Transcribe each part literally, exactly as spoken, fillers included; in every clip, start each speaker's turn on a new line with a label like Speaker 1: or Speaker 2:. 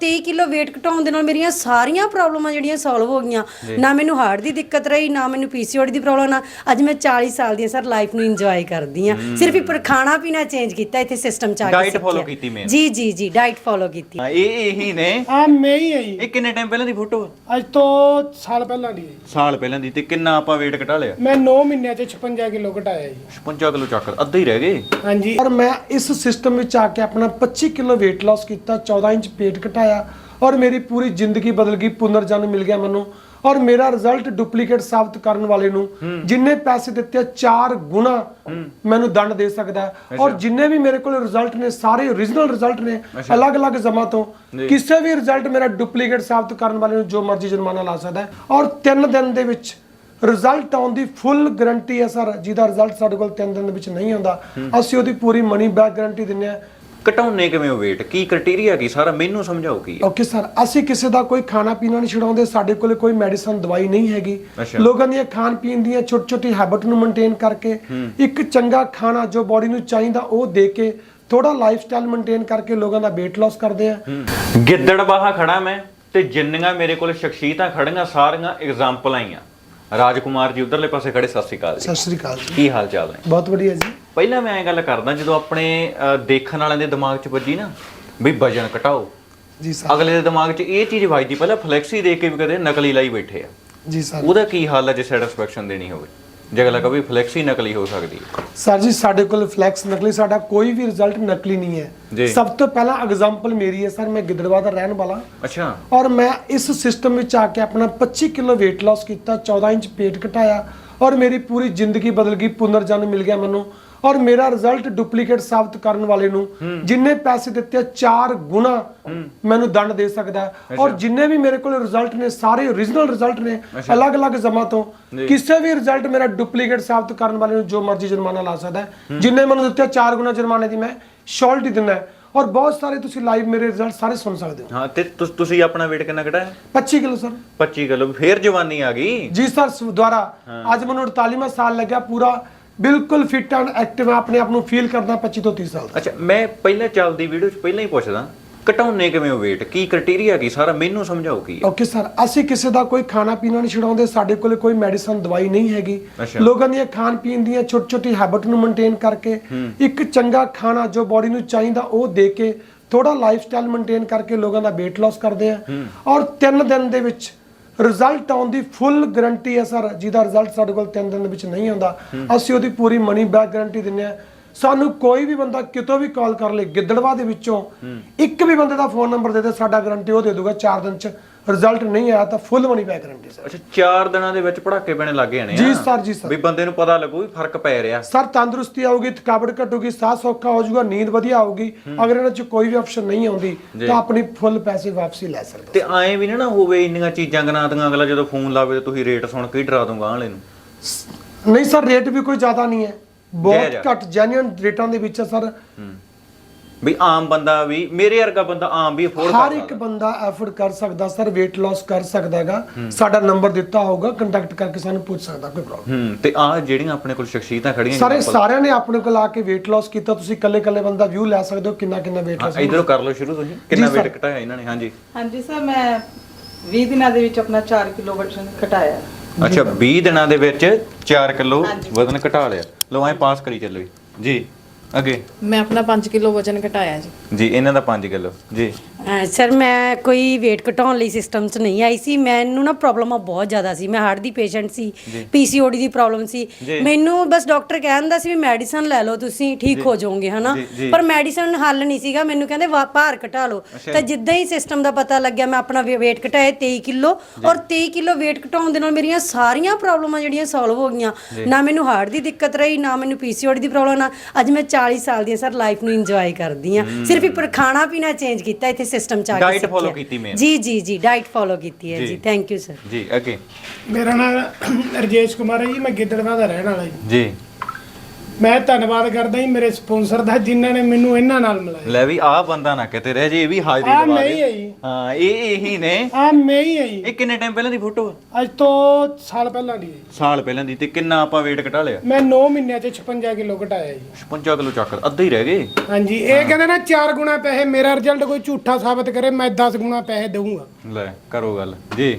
Speaker 1: तेई kilo weight घटाउण दे नाल मेरियां सारियां प्रॉब्लमां जिहड़ियां सॉल्व हो गईयां ना मैनूं हार्ट दी दिक्कत रही ना मैनूं पीसीओडी दी प्रॉब्लम ना अज मैं चाली साल दी सर लाइफ नूं इंजॉय करदी हां सिर्फ एक खाना पीना चेंज कीता इत्थे सिस्टम च आ के
Speaker 2: डाइट फॉलो कीती मैं
Speaker 1: जी जी जी डाइट फॉलो कीती
Speaker 2: ਹਾਂ ਇਹ ਇਹੀ ਨੇ
Speaker 3: ਆ ਮੈਂ ਹੀ ਆਈ
Speaker 2: ਇਹ ਕਿੰਨੇ ਟਾਈਮ ਪਹਿਲਾਂ ਦੀ ਫੋਟੋ ਆ
Speaker 3: ਅੱਜ ਤੋਂ ਸਾਲ ਪਹਿਲਾਂ ਦੀ ਹੈ।
Speaker 2: ਸਾਲ ਪਹਿਲਾਂ ਦੀ ਤੇ ਕਿੰਨਾ ਆਪਾਂ weight ਘਟਾ ਲਿਆ
Speaker 3: ਮੈਂ ਨੌ ਮਹੀਨਿਆਂ ਚ ਛਪੰਜਾ ਕਿਲੋ ਘਟਾਇਆ ਜੀ।
Speaker 2: ਛਪੰਜਾ ਕਿਲੋ ਚੱਕ ਅੱਧੇ ਹੀ ਰਹਿ ਗਏ
Speaker 3: ਹਾਂਜੀ ਔਰ ਮੈਂ ਇਸ ਸਿਸਟਮ ਵਿੱਚ ਆ ਕੇ ਆਪਣਾ ਪੱਚੀ ਕਿਲੋ weight loss ਕੀਤਾ ਚੌਦਾਂ ਇੰਚ ਪੇਟ ਘਟਾਇਆ ਔਰ ਮੇਰੀ ਪੂਰੀ ਜ਼ਿੰਦਗੀ ਬਦਲ ਗਈ ਪੁਨਰ ਜਨਮ ਮਿਲ ਗਿਆ ਮੈਨੂੰ ਔਰ ਮੇਰਾ ਰਿਜ਼ਲਟ ਡੁਪਲੀਕੇਟ ਸਾਬਤ ਕਰਨ ਵਾਲੇ ਨੂੰ ਜਿੰਨੇ ਪੈਸੇ ਦਿੱਤੇ ਚਾਰ ਗੁਣਾ ਮੈਨੂੰ ਦੰਡ ਦੇ ਸਕਦਾ ਹੈ ਔਰ ਜਿੰਨੇ ਵੀ ਮੇਰੇ ਕੋਲ ਰਿਜ਼ਲਟ ਨੇ ਸਾਰੇ ਓਰੀਜਨਲ ਰਿਜ਼ਲਟ ਨੇ ਅਲੱਗ-ਅਲੱਗ ਜਮਾ ਤੋਂ ਕਿਸੇ ਵੀ ਰਿਜ਼ਲਟ ਮੇਰਾ ਡੁਪਲੀਕੇਟ ਸਾਬਤ ਕਰਨ ਵਾਲੇ ਨੂੰ ਜੋ ਮਰਜ਼ੀ ਜੁਰਮਾਨਾ ਲਾ ਸਕਦਾ ਹੈ ਔਰ ਤਿੰਨ ਦਿਨ ਦੇ ਵਿੱਚ ਰਿਜ਼ਲਟ ਆਉਣ ਦੀ ਫੁੱਲ ਗਾਰੰਟੀ ਹੈ ਸਰ ਜਿਹਦਾ ਰਿਜ਼ਲਟ ਸਾਡੇ ਕੋਲ ਤਿੰਨ ਦਿਨ ਦੇ ਵਿੱਚ ਨਹੀਂ ਆਉਂਦਾ ਅਸੀਂ ਉਹਦੀ ਪੂਰੀ ਮਨੀ ਬੈਕ ਗਾਰੰਟੀ ਦਿੰਦੇ ਆ
Speaker 2: ਘਟਾਉਣੇ ਕਿਵੇਂ ਹੋ weight ਕੀ ਕ੍ਰਾਈਟੇਰੀਆ ਕੀ ਸਾਰਾ ਮੈਨੂੰ ਸਮਝਾਓ ਕੀ ਹੈ
Speaker 3: ਓਕੇ ਸਰ ਅਸੀਂ ਕਿਸੇ ਦਾ ਕੋਈ ਖਾਣਾ ਪੀਣਾ ਨਹੀਂ ਛਡਾਉਂਦੇ ਸਾਡੇ ਕੋਲ ਕੋਈ ਮੈਡੀਸਨ ਦਵਾਈ ਨਹੀਂ ਹੈਗੀ ਲੋਕਾਂ ਦੀਆਂ ਖਾਣ ਪੀਣ ਦੀਆਂ ਛੋਟੀ ਛੋਟੀ ਹੈਬਿਟ ਨੂੰ ਮੇਨਟੇਨ ਕਰਕੇ ਇੱਕ ਚੰਗਾ ਖਾਣਾ ਜੋ ਬਾਡੀ ਨੂੰ ਚਾਹੀਦਾ ਉਹ ਦੇ ਕੇ ਥੋੜਾ ਲਾਈਫ ਸਟਾਈਲ ਮੇਨਟੇਨ ਕਰਕੇ ਲੋਕਾਂ ਦਾ weight loss ਕਰਦੇ ਆ
Speaker 2: ਗਿੱਦੜਬਾਹਾ ਖੜਾ ਮੈਂ ਤੇ ਜਿੰਨੀਆਂ ਮੇਰੇ ਕੋਲ ਸ਼ਖਸੀਅਤਾਂ ਖੜੀਆਂ ਸਾਰੀਆਂ ਐਗਜ਼ਾਮਪਲਾਂ ਹੀ ਆ ਰਾਜਕੁਮਾਰ ਜੀ ਉਧਰਲੇ ਪਾਸੇ ਖੜੇ ਸਤਿ ਸ਼੍ਰੀ ਅਕਾਲ ਜੀ
Speaker 3: ਸਤਿ ਸ਼੍ਰੀ ਅਕਾਲ ਜੀ
Speaker 2: ਕੀ ਹਾਲ ਚਾਲ ਨੇ
Speaker 3: ਬਹੁਤ ਵਧੀਆ ਜੀ
Speaker 2: ਪਹਿਲਾਂ ਮੈਂ ਐਂ ਗੱਲ ਕਰਦਾ ਜਦੋਂ ਆਪਣੇ ਦੇਖਣ ਵਾਲਿਆਂ ਦੇ ਦਿਮਾਗ 'ਚ ਵੱਜੀ ਨਾ ਵੀ ਵਜਨ ਘਟਾਓ
Speaker 3: ਜੀ ਸਰ
Speaker 2: ਅਗਲੇ ਦੇ ਦਿਮਾਗ 'ਚ ਇਹ ਚੀਜ਼ ਵੱਜਦੀ ਪਹਿਲਾਂ ਫਲੈਕਸੀ ਦੇਖ ਕੇ ਵੀ ਕਦੇ ਨਕਲੀ ਲਾਈ ਬੈਠੇ ਆ
Speaker 3: ਜੀ ਸਰ
Speaker 2: ਉਹਦਾ ਕੀ ਹਾਲ ਹੈ ਜੇ ਸੈਟੀਸਫੈਕਸ਼ਨ ਦੇਣੀ ਹੋਵੇ ਜੇ ਅਗਲਾ ਕਹੇ ਫਲੈਕਸੀ ਨਕਲੀ ਹੋ ਸਕਦੀ ਹੈ
Speaker 3: ਸਰ ਜੀ ਸਾਡੇ ਕੋਲ ਫਲੈਕਸ ਨਕਲੀ ਸਾਡਾ ਕੋਈ ਵੀ ਰਿਜ਼ਲਟ ਨਕਲੀ ਨਹੀਂ ਹੈ ਸਭ ਤੋਂ ਪਹਿਲਾਂ ਐਗਜ਼ਾਮਪਲ ਮੇਰੀ ਹੈ ਸਰ ਮੈਂ ਗਿੱਦੜਬਾਹਾ ਦਾ ਰਹਿਣ ਵਾਲਾ
Speaker 2: ਅੱਛਾ
Speaker 3: ਔਰ ਮੈਂ ਇਸ ਸਿਸਟਮ ਵਿੱਚ ਆ ਕੇ ਆਪਣਾ ਪੱਚੀ ਕਿਲੋ weight loss ਕੀਤਾ ਚੌਦਾਂ ਇੰਚ ਪੇਟ ਘਟਾਇਆ ਔਰ ਮੇਰੀ ਪੂਰੀ ਜ਼ਿੰਦਗੀ ਬਦਲ ਗਈ ਪੁਨਰ ਜਨਮ ਮਿਲ ਗਿਆ ਮੈਨੂੰ ਔਰ ਮੇਰਾ ਰਿਜ਼ਲਟ ਡੁਪਲੀਕੇਟ ਸਾਬਤ ਕਰਨ ਵਾਲੇ ਨੂੰ ਜਿੰਨੇ ਪੈਸੇ ਦਿੱਤੇ ਚਾਰ ਗੁਣਾ ਮੈਨੂੰ ਦੰਡ ਦੇ ਸਕਦਾ ਹੈ ਔਰ ਜਿੰਨੇ ਵੀ ਮੇਰੇ ਕੋਲ ਰਿਜ਼ਲਟ ਨੇ ਸਾਰੇ ਓਰੀਜਨਲ ਰਿਜ਼ਲਟ ਨੇ ਅਲੱਗ-ਅਲੱਗ ਜਮਾ ਤੋਂ ਕਿਸੇ ਵੀ ਰਿਜ਼ਲਟ ਮੇਰਾ ਡੁਪਲੀਕੇਟ ਸਾਬਤ ਕਰਨ ਵਾਲੇ ਨੂੰ ਜੋ ਮਰਜ਼ੀ ਜੁਰਮਾਨਾ ਲਾ ਸਕਦਾ ਹੈ ਜਿੰਨੇ ਮੈਨੂੰ ਦਿੱਤੇ ਚਾਰ ਗੁਣਾ ਜੁਰਮਾਨੇ ਦੀ ਮੈਂ ਸ਼ੋਰਟੀ ਦਿੰਦਾ ਔਰ ਬਹੁਤ ਸਾਰੇ ਤੁਸੀਂ ਲਾਈਵ ਮੇਰੇ ਰਿਜ਼ਲਟ ਸਾਰੇ ਸੁਣ ਸਕਦੇ ਹੋ
Speaker 2: ਹਾਂ ਤੇ ਤੁਸੀਂ ਆਪਣਾ weight ਕਿੰਨਾ ਘਟਾਇਆ
Speaker 3: ਪੱਚੀ ਕਿਲੋ ਸਰ
Speaker 2: ਪੱਚੀ ਕਿਲੋ ਫੇਰ ਜਵਾਨੀ ਆ ਗਈ
Speaker 3: ਜੀ ਸਰ ਦੁਆਰਾ ਅੱਜ ਮੈਨੂੰ ਅੜਤਾਲੀਵਾਂ ਸਾਲ ਲੱਗਿਆ ਪੂਰਾ ਬਿਲਕੁਲ ਫਿਟ ਐਂਡ ਐਕਟਿਵ ਆਪਣੇ ਆਪ ਨੂੰ ਫੀਲ ਕਰਦਾ ਪੱਚੀ ਤੋਂ ਤੀਹ ਸਾਲ
Speaker 2: ਅੱਛਾ ਮੈਂ ਪਹਿਲਾਂ ਚੱਲਦੀ ਵੀਡੀਓ 'ਚ ਪਹਿਲਾਂ ਹੀ ਪੁੱਛਦਾ ਘਟਾਉਣੇ ਕਿਵੇਂ ਹੋ weight ਕੀ ਕ੍ਰਾਈਟੇਰੀਆ ਕੀ ਸਾਰਾ ਮੈਨੂੰ ਸਮਝਾਓ ਕੀ ਹੈ
Speaker 3: ਓਕੇ ਸਰ ਅਸੀਂ ਕਿਸੇ ਦਾ ਕੋਈ ਖਾਣਾ ਪੀਣਾ ਨਹੀਂ ਛਡਾਉਂਦੇ ਸਾਡੇ ਕੋਲ ਕੋਈ ਮੈਡੀਸਨ ਦਵਾਈ ਨਹੀਂ ਹੈਗੀ ਲੋਕਾਂ ਦੀਆਂ ਖਾਣ ਪੀਣ ਦੀਆਂ ਛੋਟੀ ਛੋਟੀ ਹੈਬਿਟ ਨੂੰ ਮੇਨਟੇਨ ਕਰਕੇ ਇੱਕ ਚੰਗਾ ਖਾਣਾ ਜੋ ਬਾਡੀ ਨੂੰ ਚਾਹੀਦਾ ਉਹ ਦੇ ਕੇ ਥੋੜਾ ਲਾਈਫ ਸਟਾਈਲ ਮੇਨਟੇਨ ਕਰਕੇ ਲੋਕਾਂ ਦਾ weight loss ਕਰਦੇ ਆ ਔਰ ਤਿੰਨ ਦਿਨ ਦੇ ਵਿੱਚ ਰਿਜ਼ਲਟ ਆਉਣ ਦੀ ਫੁੱਲ ਗਾਰੰਟੀ ਹੈ ਸਰ ਜਿਹਦਾ ਰਿਜ਼ਲਟ ਸਾਡੇ ਕੋਲ ਤਿੰਨ ਦਿਨ ਦੇ ਵਿੱਚ ਨਹੀਂ ਆਉਂਦਾ ਅਸੀਂ ਉਹਦੀ ਪੂਰੀ ਮਨੀ ਬੈਕ ਗਾਰੰਟੀ ਦਿੰਦੇ ਆ ਸਾਨੂੰ ਕੋਈ ਵੀ ਬੰਦਾ ਕਿਤੋਂ ਵੀ ਕਾਲ ਕਰ ਲੇ ਗਿੱਦੜਬਾਹਾ ਦੇ ਵਿੱਚੋਂ ਇੱਕ ਵੀ ਬੰਦੇ ਦਾ ਫੋਨ ਨੰਬਰ ਦੇ ਦੇ ਸਾਡਾ ਗਾਰੰਟੀ ਉਹ ਦੇ ਦੂਗਾ ਚਾਰ ਦਿਨ ਚ ਰਿਜ਼ਲਟ ਨਹੀਂ ਆਇਆ ਤਾਂ full money back guarantee sir
Speaker 2: ਅੱਛਾ ਚਾਰ ਦਿਨਾਂ ਦੇ ਵਿੱਚ ਪੜਾਕੇ ਪੈਣੇ ਲੱਗ ਜਾਣੇ ਆ
Speaker 3: ਜੀ ਸਰ ਜੀ ਸਰ
Speaker 2: ਵੀ ਬੰਦੇ ਨੂੰ ਪਤਾ ਲੱਗੂ ਵੀ ਫਰਕ ਪੈ ਰਿਹਾ
Speaker 3: ਸਰ ਤੰਦਰੁਸਤੀ ਆਊਗੀ ਥਕਾਵਟ ਘਟੂਗੀ ਸਾਹ ਸੌਖਾ ਹੋ ਜਾਊਗਾ ਨੀਂਦ ਵਧੀਆ ਆਊਗੀ ਅਗਰ ਇਹਨਾਂ ਚ ਕੋਈ ਵੀ ਆਪਸ਼ਨ ਨਹੀਂ ਆਉਂਦੀ ਤਾਂ ਆਪਣੀ ਫੁੱਲ ਪੈਸੇ ਵਾਪਸੀ ਲੈ ਸਕਦੇ
Speaker 2: ਤੇ ਐਂ ਵੀ ਨਾ ਹੋਵੇ ਇੰਨੀਆਂ ਚੀਜ਼ਾਂ ਗਨਾਤੀਆਂ ਅਗਲਾ ਜਦੋਂ ਫੋਨ ਲਾਵੇ ਤੇ ਤੁਸੀਂ ਰੇਟ ਸੁਣ ਕੇ ਹੀ ਡਰਾ ਦੂੰਗਾ ਵਾਲੇ ਨੂੰ
Speaker 3: ਨਹੀਂ ਸਰ ਰੇਟ ਵੀ ਕੋਈ ਜ਼ਿਆਦਾ ਨਹੀਂ ਹੈ ਬਹੁਤ ਘੱਟ ਜੈਨੂਇਨ ਰੇਟਾਂ ਦੇ ਵਿੱਚ ਸਰ
Speaker 2: ਵੀ ਆਮ ਬੰਦਾ ਵੀ ਮੇਰੇ ਵਰਗਾ ਬੰਦਾ ਆਮ ਵੀ ਅਫੋਰਡ ਕਰ
Speaker 3: ਹਰ ਇੱਕ ਬੰਦਾ ਐਫੋਰਡ ਕਰ ਸਕਦਾ ਸਰ weight loss ਕਰ ਸਕਦਾਗਾ ਸਾਡਾ ਨੰਬਰ ਦਿੱਤਾ ਹੋਊਗਾ ਕੰਟੈਕਟ ਕਰਕੇ ਸਾਨੂੰ ਪੁੱਛ ਸਕਦਾ ਕੋਈ ਪ੍ਰੋਬਲਮ
Speaker 2: ਹੂੰ ਤੇ ਆ ਜਿਹੜੀਆਂ ਆਪਣੇ ਕੋਲ ਸ਼ਖਸੀਅਤਾਂ ਖੜੀਆਂ
Speaker 3: ਸਾਰੇ ਸਾਰਿਆਂ ਨੇ ਆਪਣੇ ਕੋਲ ਆ ਕੇ weight loss ਕੀਤਾ ਤੁਸੀਂ ਇਕੱਲੇ ਇਕੱਲੇ ਬੰਦਾ ਵਿਊ ਲੈ ਸਕਦੇ ਹੋ ਕਿੰਨਾ ਕਿੰਨਾ weight loss
Speaker 2: ਇਧਰੋਂ ਕਰ ਲਓ ਸ਼ੁਰੂ ਤੁਸੀਂ ਕਿੰਨਾ weight ਘਟਾਇਆ ਇਹਨਾਂ ਨੇ ਹਾਂਜੀ
Speaker 4: ਹਾਂਜੀ ਸਰ ਮੈਂ ਵੀਹ ਦਿਨਾਂ ਦੇ ਵਿੱਚ ਆਪਣਾ ਚਾਰ ਕਿਲੋ ਵਜ਼ਨ ਘਟਾਇਆ
Speaker 2: ਅੱਛਾ ਵੀਹ ਦਿਨਾਂ ਦੇ ਵਿੱਚ ਚਾਰ ਕਿਲੋ ਵਜ਼ਨ ਘਟਾ ਲਿਆ ਲਓ ਐ ਪਾਸ ਕਰੀ ਚੱਲੋ ਜੀ ਅੱਗੇ
Speaker 5: ਮੈਂ ਆਪਣਾ ਪੰਜ ਕਿਲੋ ਵਜ਼ਨ ਘਟਾਇਆ ਜੀ
Speaker 2: ਜੀ ਇਹਨਾਂ ਦਾ ਪੰਜ ਕਿਲੋ ਜੀ
Speaker 1: ਸਰ ਮੈਂ ਕੋਈ weight ਘਟਾਉਣ ਲਈ ਸਿਸਟਮ 'ਚ ਨਹੀਂ ਆਈ ਸੀ ਮੈਨੂੰ ਨਾ ਪ੍ਰੋਬਲਮਾਂ ਬਹੁਤ ਜ਼ਿਆਦਾ ਸੀ ਮੈਂ ਹਾਰਟ ਦੀ ਪੇਸ਼ੈਂਟ ਸੀ ਪੀਸੀਓਡੀ ਦੀ ਪ੍ਰੋਬਲਮ ਸੀ ਮੈਨੂੰ ਬਸ ਡਾਕਟਰ ਕਹਿੰਦਾ ਸੀ ਵੀ ਮੈਡੀਸਨ ਲੈ ਲਓ ਤੁਸੀਂ ਠੀਕ ਹੋ ਜਾਓਗੇ ਹਨਾ ਪਰ ਮੈਡੀਸਨ ਹੱਲ ਨਹੀਂ ਸੀਗਾ ਮੈਨੂੰ ਕਹਿੰਦੇ ਭਾਰ ਘਟਾ ਲਓ ਤਾਂ ਜਿੱਦਾਂ ਹੀ ਸਿਸਟਮ ਦਾ ਪਤਾ ਲੱਗਿਆ ਮੈਂ ਆਪਣਾ weight ਘਟਾਇਆ ਤੇਈ ਕਿਲੋ ਔਰ ਤੇਈ ਕਿਲੋ weight ਘਟਾਉਣ ਦੇ ਨਾਲ ਮੇਰੀਆਂ ਸਾਰੀਆਂ ਪ੍ਰੋਬਲਮਾਂ ਜਿਹੜੀਆਂ ਸੋਲਵ ਹੋ ਗਈਆਂ ਨਾ ਮੈਨੂੰ ਹਾਰਟ ਦੀ ਦਿੱਕਤ ਰਹੀ ਨਾ ਮੈਨੂੰ ਪੀਸੀਓਡੀ ਦੀ ਪ੍ਰੋਬਲਮ ਨਾ ਅੱਜ ਮੈਂ ਚਾਲੀ ਸਾਲ ਦੀ ਸਰ ਲਾਈਫ ਨੂੰ ਇੰਜੋਏ ਕਰਦੀ ਆ ਸਿਰਫ ਇੱਕ ਖਾਣਾ ਪੀਣਾ ਚੇਂਜ ਕੀਤਾ ਇੱਥੇ ਸਿਸਟਮ ਚ ਆ ਕੇ
Speaker 2: ਡਾਈਟ ਫੋਲੋ ਕੀਤੀ ਮੈਂ
Speaker 1: ਜੀ ਜੀ ਜੀ ਡਾਈਟ ਫੋਲੋ ਕੀਤੀ ਹੈ ਜੀ ਥੈਂਕ ਯੂ ਸਰ
Speaker 2: ਜੀ ਅੱਗੇ
Speaker 3: ਮੇਰਾ ਨਾਮ ਰਜੇਸ਼ ਕੁਮਾਰ ਹੈ ਜੀ ਮੈਂ ਗਿੱਦੜਬਾਹਾ ਦਾ ਰਹਿਣ ਵਾਲਾ ਜੀ
Speaker 2: ਜੀ
Speaker 6: ਮੈਂ ਧੰਨਵਾਦ ਕਰਦਾ ਜੀ ਮੇਰੇ ਸਪਾਂਸਰ ਦਾ ਜਿਨ੍ਹਾਂ ਨੇ ਮੈਨੂੰ ਇਹਨਾਂ ਨਾਲ ਮਿਲਾਇਆ।
Speaker 2: ਲੈ ਵੀ ਆਹ ਬੰਦਾ ਨਾ ਕਿਤੇ ਰਹਿ ਜੇ, ਇਹ ਵੀ ਹਾਜ਼ਰੀ
Speaker 6: ਆਹ
Speaker 2: ਲਵਾ
Speaker 6: ਮੈਂ ਹੀ
Speaker 2: ਦੇ।
Speaker 6: ਹੈ ਜੀ।
Speaker 2: ਹਾਂ ਇਹ ਇਹੀ ਨੇ।
Speaker 6: ਆ ਮੈਂ ਹੀ ਹੈ ਜੀ।
Speaker 2: ਇਹ ਕਿੰਨੇ ਟਾਈਮ ਪਹਿਲਾਂ ਦੀ ਫੋਟੋ ਆ?
Speaker 6: ਅੱਜ ਤੋਂ ਸਾਲ ਪਹਿਲਾਂ ਦੀ ਹੈ ਜੀ।
Speaker 2: ਸਾਲ ਪਹਿਲਾਂ ਦੀ। ਤੇ ਕਿੰਨਾ ਆਪਾਂ weight ਘਟਾ ਲਿਆ?
Speaker 6: ਮੈਂ ਨੌ ਮਹੀਨਿਆਂ 'ਚ ਛਪੰਜਾ ਕਿਲੋ ਘਟਾਇਆ ਜੀ।
Speaker 2: ਛਪੰਜਾ ਕਿਲੋ ਚੱਕ ਅੱਧੇ ਹੀ ਰਹਿ ਗਏ।
Speaker 6: ਹਾਂਜੀ ਇਹ ਕਹਿੰਦੇ ਨਾ ਚਾਰ ਗੁਣਾ ਪੈਸੇ, ਮੇਰਾ ਰਿਜ਼ਲਟ ਕੋਈ ਝੂਠਾ ਸਾਬਤ ਕਰੇ ਮੈਂ ਦਸ ਗੁਣਾ ਪੈਸੇ ਦਊਂਗਾ।
Speaker 2: ਲੈ ਕਰੋ ਗੱਲ ਜੀ।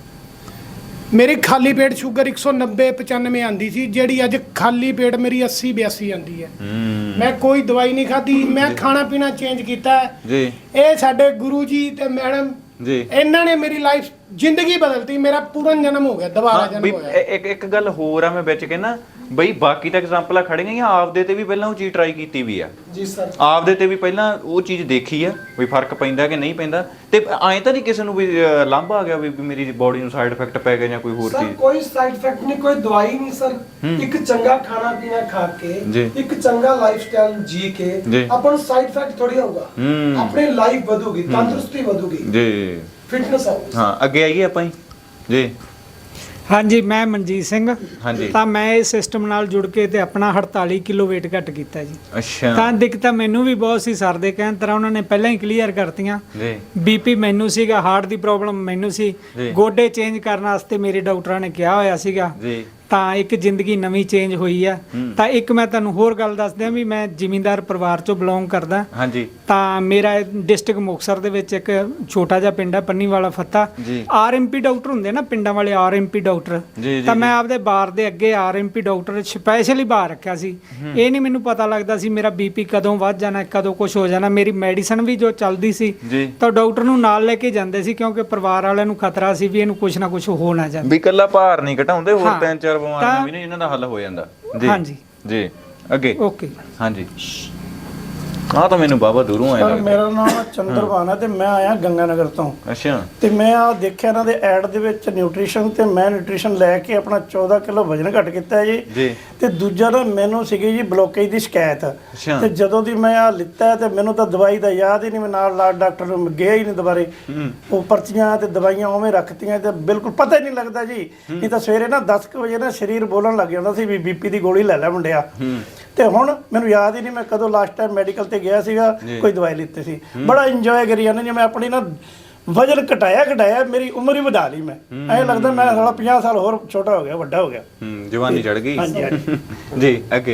Speaker 6: ਮੇਰੀ ਖਾਲੀ ਪੇਟ ਸ਼ੂਗਰ ਇੱਕ ਸੌ ਨੱਬੇ ਪਚਾਨਵੇਂ ਆਂਦੀ ਸੀ, ਜਿਹੜੀ ਅੱਜ ਖਾਲੀ ਪੇਟ ਮੇਰੀ ਅੱਸੀ ਬਿਆਸੀ ਆਂਦੀ ਹੈ।
Speaker 2: ਹੂੰ
Speaker 6: ਮੈਂ ਕੋਈ ਦਵਾਈ ਨਹੀਂ ਖਾਧੀ, ਮੈਂ ਖਾਣਾ ਪੀਣਾ ਚੇਂਜ ਕੀਤਾ ਹੈ।
Speaker 2: ਜੀ
Speaker 6: ਇਹ ਸਾਡੇ ਗੁਰੂ ਜੀ ਤੇ ਮੈਡਮ
Speaker 2: ਜੀ
Speaker 6: ਇਹਨਾਂ ਨੇ ਮੇਰੀ ਲਾਈਫ ਜ਼ਿੰਦਗੀ ਬਦਲਤੀ। ਮੇਰਾ ਪੂਰਨ ਜਨਮ ਹੋ ਗਿਆ, ਦੁਬਾਰਾ
Speaker 2: ਹਾਂ,
Speaker 6: ਜਨਮ
Speaker 2: ਬਈ
Speaker 6: ਹੋਇਆ।
Speaker 2: ਇ- ਇੱਕ ਇੱਕ ਗੱਲ ਹੋਰ ਆ, ਮੈਂ ਵਿੱਚ ਕਹਿੰਦਾ ਬਈ ਬਾਕੀ ਤਾਂ ਐਗਜ਼ਾਮਪਲਾਂ ਖੜੇ ਗਈਆਂ, ਆਪਦੇ ਤੇ ਵੀ ਪਹਿਲਾਂ ਉਹ ਚੀਜ਼ ਟਰਾਈ ਕੀਤੀ ਵੀ ਆ।
Speaker 3: ਜੀ ਸਰ।
Speaker 2: ਆਪਦੇ ਤੇ ਵੀ ਪਹਿਲਾਂ ਉਹ ਚੀਜ਼ ਦੇਖੀ ਆ ਵੀ ਫਰਕ ਪੈਂਦਾ ਕਿ ਨਹੀਂ ਪੈਂਦਾ। ਤੇ ਐਂ ਤਾਂ ਨਹੀਂ ਕਿਸੇ ਨੂੰ ਵੀ ਅਹ, ਲਾਂਭਾ ਆ ਗਿਆ ਵੀ ਵੀ ਮੇਰੀ ਬੋਡੀ ਨੂੰ ਸਾਈਡ ਇਫੈਕਟ ਪੈ ਗਿਆ ਜਾਂ ਕੋਈ ਹੋਰ
Speaker 3: ਸਰ
Speaker 2: ਚੀਜ਼?
Speaker 3: ਕੋਈ ਸਾਈਡ ਇਫੈਕਟ ਨਹੀਂ, ਕੋਈ ਦਵਾਈ ਨਹੀਂ ਸਰ। ਇੱਕ ਚੰਗਾ ਖਾਣਾ ਪੀਣਾ ਖਾ ਕੇ,
Speaker 2: ਜੀ।
Speaker 3: ਇੱਕ ਚੰਗਾ ਲਾਈਫ ਸਟਾਈਲ ਜੀ ਕੇ
Speaker 2: ਜੀ।
Speaker 3: ਆਪਾਂ ਨੂੰ ਸਾਈਡ ਇਫੈਕਟ ਥੋੜੀ ਹੋਊਗਾ।
Speaker 2: ਹੂੰ।
Speaker 3: ਆਪਣੀ ਲਾਈਫ ਵਧੂਗੀ, ਤੰਦਰੁਸਤੀ ਵਧੂਗੀ,
Speaker 2: ਜੀ
Speaker 3: ਫਿਟਨੈਸ ਆਊਗੀ।
Speaker 2: ਹਾਂ ਅੱਗੇ ਆਈਏ ਆਪਾਂ ਹੀ ਜੀ।
Speaker 7: ਹਾਂਜੀ ਮੈਂ ਮਨਜੀਤ ਸਿੰਘ।
Speaker 2: ਹਾਂਜੀ।
Speaker 7: ਤਾਂ ਮੈਂ ਇਸ ਸਿਸਟਮ ਨਾਲ ਜੁੜ ਕੇ ਤੇ ਆਪਣਾ ਅੜਤਾਲੀ ਕਿਲੋ weight ਘੱਟ ਕੀਤਾ ਜੀ।
Speaker 2: ਅੱਛਾ
Speaker 7: ਤਾਂ ਦਿੱਕਤਾਂ ਮੈਨੂੰ ਵੀ ਬਹੁਤ ਸੀ, ਸਰ ਦੇ ਕਹਿਣ ਤਰ੍ਹਾਂ ਉਹਨਾਂ ਨੇ ਪਹਿਲਾਂ ਹੀ ਕਲੀਅਰ ਕਰਤੀਆਂ।
Speaker 2: ਜੀ
Speaker 7: ਬੀਪੀ ਮੈਨੂੰ ਸੀਗਾ, ਹਾਰਟ ਦੀ ਪ੍ਰੋਬਲਮ ਮੈਨੂੰ ਸੀ,
Speaker 2: ਜੀ।
Speaker 7: ਗੋਡੇ ਚੇਂਜ ਕਰਨ ਵਾਸਤੇ ਮੇਰੇ ਡਾਕਟਰਾਂ ਨੇ ਕਿਹਾ ਹੋਇਆ ਸੀਗਾ।
Speaker 2: ਜੀ
Speaker 7: ਤਾਂ ਇੱਕ ਜ਼ਿੰਦਗੀ ਨਵੀਂ ਚੇਂਜ ਹੋਈ ਆ। ਤਾਂ ਇੱਕ ਮੈਂ ਤੁਹਾਨੂੰ ਹੋਰ ਗੱਲ ਦੱਸ ਦਿਆਂ ਵੀ ਮੈਂ ਜ਼ਿਮੀਂਦਾਰ ਪਰਿਵਾਰ ਚੋਂ ਬਿਲੋਂਗ ਕਰਦਾ।
Speaker 2: ਹਾਂਜੀ
Speaker 7: ਤਾਂ ਮੇਰਾ ਡਿਸਟ੍ਰਿਕਟ ਮੁਕਤਸਰ ਦੇ ਵਿੱਚ ਇੱਕ ਛੋਟਾ ਜਿਹਾ ਪਿੰਡ ਹੈ ਪੰਨੀ ਵਾਲਾ ਫੱਤਾ।
Speaker 2: ਜੀ।
Speaker 7: ਆਰਐਮਪੀ ਡਾਕਟਰ ਹੁੰਦੇ ਨਾ ਪਿੰਡਾਂ ਵਾਲੇ, ਆਰਐਮਪੀ ਡਾਕਟਰ।
Speaker 2: ਜੀ, ਜੀ,
Speaker 7: ਤਾਂ
Speaker 2: ਜੀ।
Speaker 7: ਮੈਂ ਆਪਦੇ ਬਾਰ ਦੇ ਅੱਗੇ ਆਰਐਮਪੀ ਡਾਕਟਰ ਸਪੈਸ਼ਲੀ ਬਾਹਰ ਰੱਖਿਆ ਸੀ। ਇਹ ਨਹੀਂ ਮੈਨੂੰ ਪਤਾ ਲੱਗਦਾ ਸੀ ਮੇਰਾ ਬੀਪੀ ਕਦੋਂ ਵੱਧ ਜਾਣਾ, ਕਦੋਂ ਕੁਝ ਹੋ ਜਾਣਾ। ਮੇਰੀ ਮੈਡੀਸਨ ਵੀ ਜੋ ਚੱਲਦੀ ਸੀ
Speaker 2: ਜੀ।
Speaker 7: ਤਾਂ ਡਾਕਟਰ ਨੂੰ ਨਾਲ ਲੈ ਕੇ ਜਾਂਦੇ ਸੀ, ਕਿਉਂਕਿ ਪਰਿਵਾਰ ਵਾਲਿਆਂ ਨੂੰ ਖਤਰਾ ਸੀ ਵੀ ਇਹਨੂੰ ਕੁਝ ਨਾ ਕੁਝ ਹੋ ਨਾ ਜਾਵੇ।
Speaker 2: ਵੀ ਇਕੱਲਾ ਭਾਰ ਨਹੀਂ ਘਟਾਉਂਦੇ, ਹੋਰ
Speaker 7: ਹਾਂ।
Speaker 2: ਤਿੰਨ ਚਾਰ ਬਿਮਾਰੀਆਂ
Speaker 7: ਤਾਂ-
Speaker 2: ਵੀ ਨੇ ਇਹਨਾਂ ਦਾ ਹੱਲ ਹੋ ਜਾਂਦਾ।
Speaker 7: ਹਾਂਜੀ।
Speaker 2: ਜੀ ਅੱਗੇ
Speaker 7: ਓਕੇ।
Speaker 2: ਹਾਂਜੀ ਆਹ ਤਾਂ ਮੈਨੂੰ ਬਾਬਾ ਦੂਰੋਂ ਆਇਆ
Speaker 8: ਸਰ
Speaker 2: ਲੱਗਦਾ।
Speaker 8: ਮੇਰਾ ਨਾਮ ਚੰਦਰਵਾਨ ਹੈ ਤੇ ਮੈਂ ਆਇਆ ਗੰਗਾਨਗਰ ਤੋਂ।
Speaker 2: ਅੱਛਾ
Speaker 8: ਤੇ ਮੈਂ ਆ ਦੇਖਿਆ ਇਹਨਾਂ ਦੇ ਐਡ ਦੇ ਵਿੱਚ ਨਿਊਟ੍ਰੀਸ਼ਨ, ਤੇ ਮੈਂ ਨਿਊਟ੍ਰੀਸ਼ਨ ਲੈ ਕੇ ਆਪਣਾ ਚੌਦਾਂ ਕਿਲੋ ਵਜਨ ਘੱਟ ਕੀਤਾ ਹੈ ਜੀ।
Speaker 2: ਜੀ।
Speaker 8: ਤੇ ਦੂਜਾ ਨਾ ਮੈਨੂੰ ਸੀਗੀ ਜੀ ਬਲੋਕੇਜ ਦੀ ਸ਼ਿਕਾਇਤ।
Speaker 2: ਅੱਛਾ।
Speaker 8: ਤੇ ਜਦੋਂ ਦੀ ਮੈਂ ਆ ਲਿੱਤਾ ਤੇ ਮੈਨੂੰ ਤਾਂ ਦਵਾਈ ਦਾ ਯਾਦ ਹੀ ਨਹੀਂ, ਮੈਂ ਨਾਲ ਨਾਲ ਡਾਕਟਰ ਨੂੰ ਗਿਆ ਹੀ ਨਹੀਂ ਦੁਬਾਰੇ। ਉਹ ਪਰਚੀਆਂ ਤੇ ਦਵਾਈਆਂ ਉਵੇਂ ਰੱਖਤੀਆਂ ਤੇ ਬਿਲਕੁਲ ਪਤਾ ਹੀ ਨਹੀਂ ਲੱਗਦਾ ਜੀ। ਨਹੀਂ ਤਾਂ ਸਵੇਰੇ ਨਾ ਦਸ ਕੁ ਵਜੇ ਨਾ ਸਰੀਰ ਬੋਲਣ ਲੱਗ ਜਾਂਦਾ ਸੀ ਵੀ ਬੀਪੀ ਦੀ ਗੋਲੀ ਲੈ ਲੈ ਮੁੰਡਿਆ। ਤੇ ਹੁਣ ਮੈਨੂੰ ਯਾਦ ਹੀ ਨਹੀਂ ਮੈਂ ਕਦੋਂ ਲਾਸਟ ਟਾਈਮ ਮੈਡੀਕਲ ਤੇ ਗਿਆ ਸੀਗਾ, ਕੋਈ ਦਵਾਈ ਲਿੱਤੀ ਸੀ। ਬੜਾ ਇੰਜੋਏ ਕਰੀ ਜਾਂਦਾ ਜੀ ਮੈਂ ਆਪਣੀ ਨਾ ਵਜਨ ਘਟਾਇਆ ਘਟਾਇਆ ਮੇਰੀ ਉਮਰ ਹੀ ਵਧਾ ਲਈ। ਮੈਂ ਐਂ ਲੱਗਦਾ ਮੈਂ ਸਾਲਾ ਪੰਜਾਹ ਸਾਲ ਹੋਰ ਛੋਟਾ ਹੋ ਗਿਆ, ਵੱਡਾ ਹੋ ਗਿਆ।
Speaker 2: ਹੂੰ ਜਵਾਨੀ ਚੜ ਗਈ।
Speaker 8: ਹਾਂਜੀ ਹਾਂਜੀ।
Speaker 2: ਜੀ ਅੱਗੇ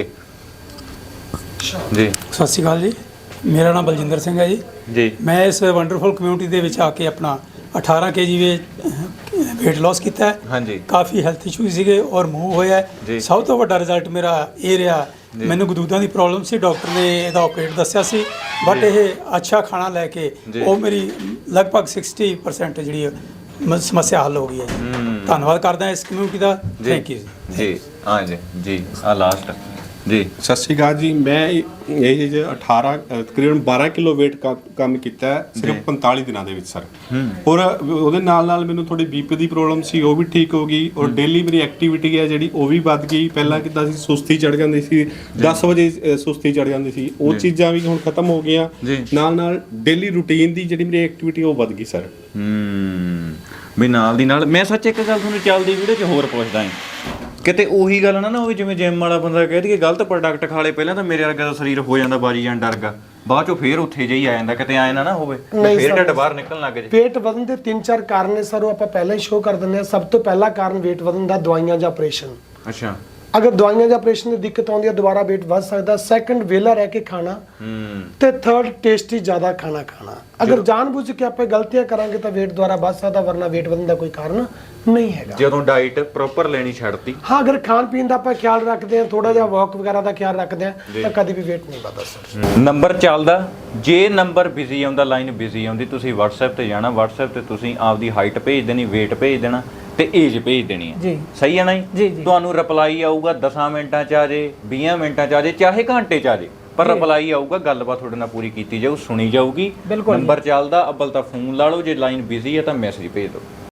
Speaker 2: ਜੀ
Speaker 9: ਸਤਿ ਸ਼੍ਰੀ ਅਕਾਲ ਜੀ, ਮੇਰਾ ਨਾਮ ਬਲਜਿੰਦਰ ਸਿੰਘ ਹੈ ਜੀ।
Speaker 2: ਜੀ
Speaker 9: ਮੈਂ ਇਸ ਵੰਡਰਫੁਲ ਕਮਿਊਨਿਟੀ ਦੇ ਵਿੱਚ ਆ ਕੇ ਆਪਣਾ ਅਠਾਰਾਂ ਕੇਜੀ ਵੇ weight loss ਕੀਤਾ ਹੈ।
Speaker 2: ਹਾਂਜੀ
Speaker 9: ਕਾਫੀ ਹੈਲਥ ਇਸ਼ੂ ਸੀਗੇ ਔਰ ਮੂਵ ਹੋਇਆ
Speaker 2: ਜੀ।
Speaker 9: ਹੈ। ਸਭ ਤੋਂ ਵੱਡਾ ਰਿਜ਼ਲਟ ਮੇਰਾ ਇਹ ਰਿਹਾ, ਮੈਨੂੰ ਗਦੂਦਾਂ ਦੀ ਪ੍ਰੋਬਲਮ ਸੀ, ਡਾਕਟਰ ਨੇ ਇਹਦਾ ਆਪਰੇਟ ਦੱਸਿਆ ਸੀ, ਬਟ ਇਹ ਅੱਛਾ ਖਾਣਾ ਲੈ ਕੇ
Speaker 2: ਜੀ।
Speaker 9: ਉਹ ਮੇਰੀ ਲਗਭਗ ਸਿਕਸਟੀ ਪਰਸੈਂਟ ਜਿਹੜੀ ਹੈ ਮ- ਸਮੱਸਿਆ ਹੱਲ ਹੋ ਗਈ ਹੈ ਜੀ। ਧੰਨਵਾਦ ਕਰਦਾ ਇਸ ਕਮਿਊਨਿਟੀ ਦਾ। ਥੈਂਕ ਯੂ ਜੀ।
Speaker 2: ਜੀ ਹਾਂ ਜੀ ਜੀ ਆ ਲਾਸਟ ਜੀ
Speaker 10: ਸਤਿ ਸ਼੍ਰੀ ਅਕਾਲ ਜੀ। ਮੈਂ ਇਹ ਜੇ ਅਠਾਰਾਂ ਅ, ਤਕਰੀਬਨ ਬਾਰਾਂ ਕਿਲੋ weight ਕ- ਕੰਮ ਕੀਤਾ ਹੈ ਸਿਰਫ ਪੰਤਾਲੀ ਦਿਨਾਂ ਦੇ ਵਿੱਚ ਸਰ। ਔਰ ਉਹਦੇ ਨਾਲ ਨਾਲ ਮੈਨੂੰ ਥੋੜੀ ਬੀਪੀ ਦੀ ਪ੍ਰੋਬਲਮ ਸੀ, ਉਹ ਵੀ ਠੀਕ ਹੋ ਗਈ। ਔਰ ਡੇਲੀ ਮੇਰੀ ਐਕਟੀਵਿਟੀ ਹੈ ਜਿਹੜੀ ਉਹ ਵੀ ਵੱਧ ਗਈ। ਪਹਿਲਾਂ ਕਿੱਦਾਂ ਸੀ ਸੁਸਤੀ ਚੜ ਜਾਂਦੀ ਸੀ, ਦਸ ਵਜੇ ਅ, ਸੁਸਤੀ ਚੜ ਜਾਂਦੀ ਸੀ, ਉਹ ਚੀਜ਼ਾਂ ਵੀ ਹੁਣ ਖਤਮ ਹੋ ਗਈਆਂ।
Speaker 2: ਜੀ।
Speaker 10: ਨਾਲ ਨਾਲ ਡੇਲੀ ਰੂਟੀਨ ਦੀ ਜਿਹੜੀ ਮੇਰੀ ਐਕਟੀਵਿਟੀ ਉਹ ਵੱਧ ਗਈ ਸਰ।
Speaker 2: ਹੂੰ ਵੀ ਨਾਲ ਦੀ ਨਾਲ ਮੈਂ ਸੱਚ ਇੱਕ ਗੱਲ ਤੁਹਾਨੂੰ ਚੱਲਦੀ ਵੀਡੀਓ 'ਚ ਹੋਰ ਪੁੱਛਦਾ ਹਾਂ, ਕਿਤੇ ਉਹੀ ਗੱਲ ਨਾ ਨਾ ਹੋਵੇ ਜਿਵੇਂ ਜਿਮ ਵਾਲਾ ਬੰਦਾ ਕਹਿ ਦਈਏ ਗਲਤ ਪ੍ਰੋਡਕਟ ਖਾ ਲੇ, ਪਹਿਲਾਂ ਤਾਂ ਮੇਰੇ ਵਰਗਾ ਦਾ ਸਰੀਰ ਹੋ ਜਾਂਦਾ ਬਾਜੀ ਜਾਂ ਡਰਗਾ, ਬਾਅਦ ਚੋਂ ਫੇਰ ਉੱਥੇ ਜਿਹੀ ਆ ਜਾਂਦਾ, ਕਿਤੇ ਆਏ ਨਾ ਨਾ ਹੋਵੇ
Speaker 3: ਨਹੀਂ
Speaker 2: ਫੇਰ
Speaker 3: ਸਰ।
Speaker 2: ਢਿੱਡ ਬਾਹਰ ਨਿਕਲਣ ਲੱਗ ਜੇ।
Speaker 3: weight ਵਧਣ ਦੇ ਤਿੰਨ ਚਾਰ ਕਾਰਨ ਨੇ ਸਰ, ਉਹ ਆਪਾਂ ਪਹਿਲਾਂ ਹੀ ਸ਼ੋਅ ਕਰ ਦਿੰਦੇ ਆ। ਸਭ ਤੋਂ ਪਹਿਲਾ ਕਾਰਨ weight ਵਧਣ ਦਾ ਦਵਾਈਆਂ ਜਾਂ ਆਪਰੇਸ਼ਨ।
Speaker 2: ਅੱਛਾ
Speaker 3: ਅਗਰ ਦਵਾਈਆਂ ਜਾਂ ਆਪਰੇਸ਼ਨ ਦੀ ਦਿੱਕਤ ਆਉਂਦੀ ਹੈ ਦੁਬਾਰਾ weight ਵੱਧ ਸਕਦਾ। ਸੈਕੰਡ ਵੇਲਾ ਰਹਿ ਕੇ ਖਾਣਾ।
Speaker 2: ਹੂੰ
Speaker 3: ਤੇ ਥਰਡ ਟੇਸਟੀ ਜ਼ਿਆਦਾ ਖਾਣਾ ਖਾਣਾ। ਅਗਰ ਜਾਣਬੁੱਝ ਕੇ ਆਪਾਂ ਗਲਤੀਆਂ ਕਰਾਂਗੇ ਤਾਂ weight ਦੁਬਾਰਾ ਵੱਧ ਸਕਦਾ, ਵਰਨਾ weight ਵਧਣ ਦਾ ਕੋਈ ਕਾਰਨ ਨਹੀਂ ਹੈਗਾ।
Speaker 2: ਜਦੋਂ ਡਾਈਟ ਪ੍ਰੋਪਰ ਲੈਣੀ ਛੱਡਤੀ।
Speaker 3: ਹਾਂ ਅਗਰ ਖਾਣ ਪੀਣ ਦਾ ਆਪਾਂ ਖਿਆਲ ਰੱਖਦੇ ਹਾਂ, ਥੋੜਾ ਜਿਹਾ ਵਾਕ ਵਗੈਰਾ ਦਾ ਖਿਆਲ ਰੱਖਦੇ ਹਾਂ, ਤਾਂ ਕਦੀ ਵੀ weight ਨਹੀਂ ਵਧਦਾ ਸਰ।
Speaker 2: ਨੰਬਰ ਚੱਲਦਾ, ਜੇ ਨੰਬਰ ਬਿਜ਼ੀ ਆਉਂਦਾ, ਲਾਈਨ ਬਿਜ਼ੀ ਆਉਂਦੀ, ਤੁਸੀਂ WhatsApp ਤੇ ਜਾਣਾ, WhatsApp ਤੇ ਤੁਸੀਂ ਆਪਦੀ ਹਾਈਟ ਭੇਜ ਦੇਣੀ, weight ਭੇਜ ਦੇਣਾ ਤੇ ਏਜ ਭੇਜ ਦੇਣੀ ਹੈ।
Speaker 7: ਜੀ।
Speaker 2: ਸਹੀ ਹੈ ਨਾ
Speaker 7: ਜੀ, ਜੀ।
Speaker 2: ਤੁਹਾਨੂੰ ਰਿਪਲਾਈ ਆਊਗਾ ਦਸਾਂ ਮਿੰਟਾਂ ਚ ਆ ਜੇ, ਵੀਹਾਂ ਮਿੰਟਾਂ ਚ ਆ ਜੇ, ਚਾਹੇ ਘੰਟੇ ਚ ਆ ਜੇ, ਪਰ ਰਿਪਲਾਈ ਆਊਗਾ, ਗੱਲਬਾਤ ਤੁਹਾਡੇ ਨਾਲ ਪੂਰੀ ਕੀਤੀ ਜਾਊ, ਸੁਣੀ ਜਾਊਗੀ।
Speaker 7: ਬਿਲਕੁਲ ਜੀ।
Speaker 2: ਨੰਬਰ ਚੱਲਦਾ, ਅੱਬਲ ਤਾਂ ਫੋਨ ਲਾ ਲਓ, ਜੇ ਲਾਈਨ ਬਿਜ਼ੀ ਹੈ ਤਾਂ ਮੈਸੇਜ ਭੇਜ ਦਿਓ।